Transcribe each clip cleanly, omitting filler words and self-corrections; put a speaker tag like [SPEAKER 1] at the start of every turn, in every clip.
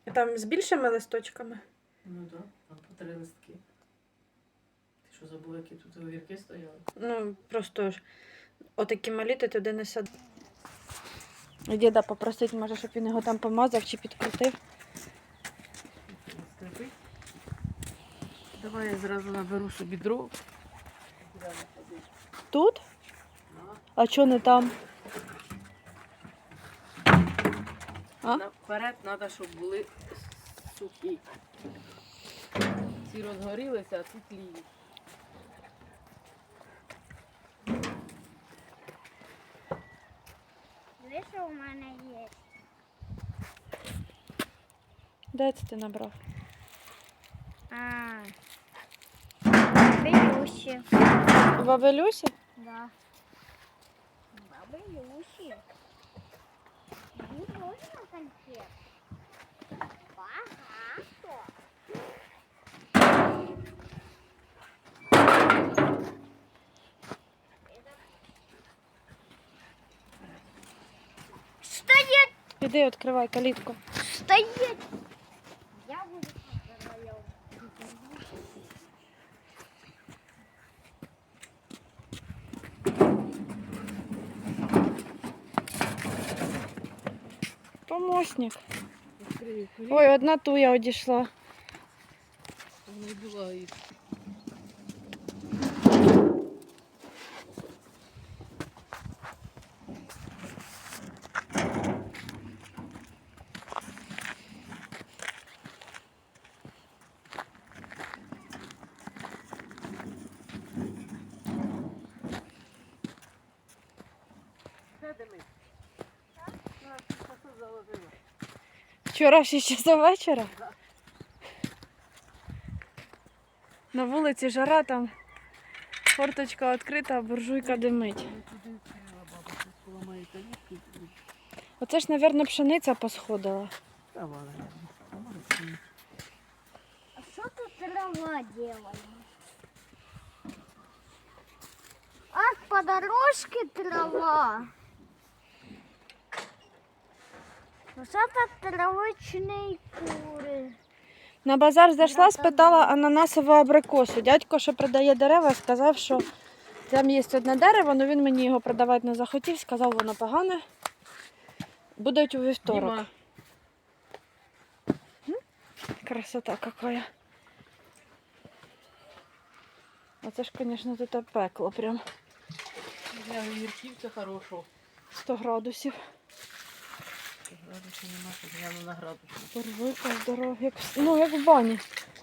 [SPEAKER 1] Там з більшими листочками?
[SPEAKER 2] Ну так, там по 3 листки. Ти що забула, які тут огірки стояли?
[SPEAKER 1] Ну, просто ж отакі малі ти туди не сади. Діда попросить, може, щоб він його там помазав чи підкрутив.
[SPEAKER 2] Скрипить. Давай я зразу наберу собі дров.
[SPEAKER 1] Тут? А чого не там? А?
[SPEAKER 2] Наперед треба, щоб були сухі. Ці розгорілися, а ці тліють.
[SPEAKER 3] Дивись, що у мене є.
[SPEAKER 1] Де це ти набрав?
[SPEAKER 3] Баби Люсі.
[SPEAKER 1] У баби Люсі?
[SPEAKER 3] Да. Баби Люсі. Мені можна конфет? Багато. Стоять!
[SPEAKER 1] Іди, відкривай калітку.
[SPEAKER 3] Стоять! Я буду вдвоем.
[SPEAKER 1] Помощник.
[SPEAKER 2] Відкрию кулі.
[SPEAKER 1] Ой, одна туя одійшла.
[SPEAKER 2] Вона й була і
[SPEAKER 1] Вчора в 6 часов вечора? На вулиці жара, там форточка відкрита, а буржуйка димить.
[SPEAKER 2] туди відкрила баба, щось поламає калітку.
[SPEAKER 1] Оце ж, мабуть, пшениця посходила.
[SPEAKER 2] Та ладно.
[SPEAKER 3] А что тут трава делает? Ах, по дорожке трава. Вот это травочные куры.
[SPEAKER 1] На базар зайшла, спитала ананасову абрикосу. Дядько, що продає дерева, сказав, що там є одне дерево, але він мені його продавати не захотів, сказав, воно погане. Будуть у вівторок.
[SPEAKER 2] Діма,
[SPEAKER 1] Красота какая. Оце ж, звісно, тут пекло прям.
[SPEAKER 2] для огірків це хорошо.
[SPEAKER 1] 100 градусів.
[SPEAKER 2] Градусів нема, щоб гляну на градусі.
[SPEAKER 1] Буржуйка здорова, як в бані.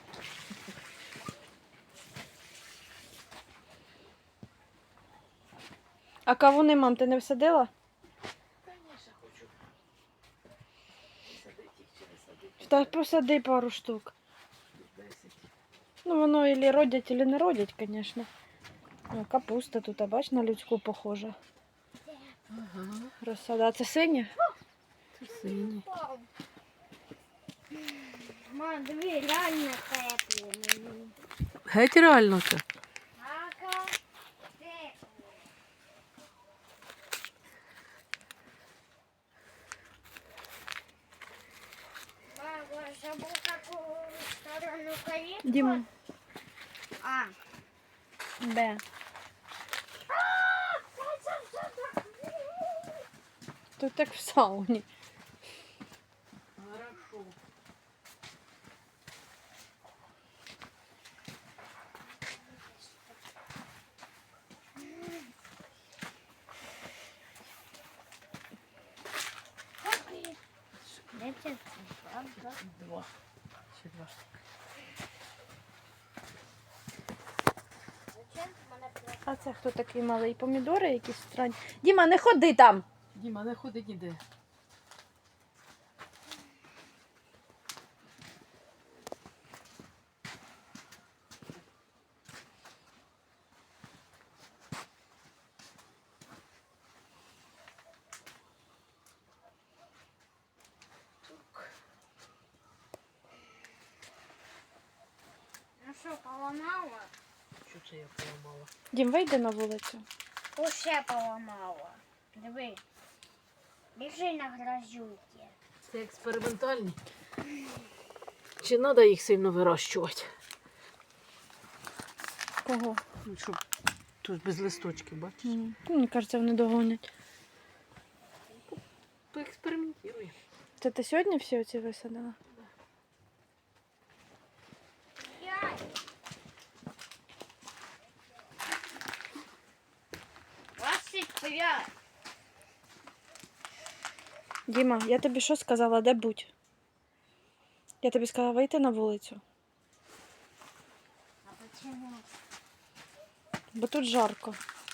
[SPEAKER 1] А кавуни, мам, ти не всадила?
[SPEAKER 2] Звісно, хочу. Садити їх чи не садити.
[SPEAKER 1] Та посади пару штук.
[SPEAKER 2] 10.
[SPEAKER 1] Ну, воно ілі родять, ілі не родять, звісно. О, капуста тут, а бач, на людську похожа.
[SPEAKER 2] Ага,
[SPEAKER 1] Розсада. А це синя?
[SPEAKER 2] це синій.
[SPEAKER 3] Мам, диви, реально тепло.
[SPEAKER 2] Геть реально це.
[SPEAKER 3] Ага, тепло. Мама, забыл, какую сторону калитку?
[SPEAKER 1] Діма.
[SPEAKER 3] А.
[SPEAKER 1] Де? Тут так в сауні.
[SPEAKER 2] Хорошо.
[SPEAKER 3] Дайте, правда?
[SPEAKER 2] 2. Ще 2.
[SPEAKER 3] Зачем мене просто?
[SPEAKER 1] А це хто такий малий? Помідори якісь странні. Діма, не ходи там!
[SPEAKER 2] Діма, не ходить ніде.
[SPEAKER 3] Ну що, поламала?
[SPEAKER 2] Що це я поламала?
[SPEAKER 1] Дім, вийди на вулицю.
[SPEAKER 3] Усе поламала. Диви. Біжи на грозюки.
[SPEAKER 2] Це експериментальні. Чи треба їх сильно вирощувати?
[SPEAKER 1] Кого?
[SPEAKER 2] Ну, щоб тут без листочків, бачиш?
[SPEAKER 1] Мені кажеться, вони догонять.
[SPEAKER 2] Поекспериментуй.
[SPEAKER 1] Це ти сьогодні всі оці висадила?
[SPEAKER 3] Двадцять п'ять.
[SPEAKER 1] Діма, я тобі що сказала, де будь? Я тобі сказала вийти на вулицю,
[SPEAKER 3] А почему?
[SPEAKER 1] бо тут жарко.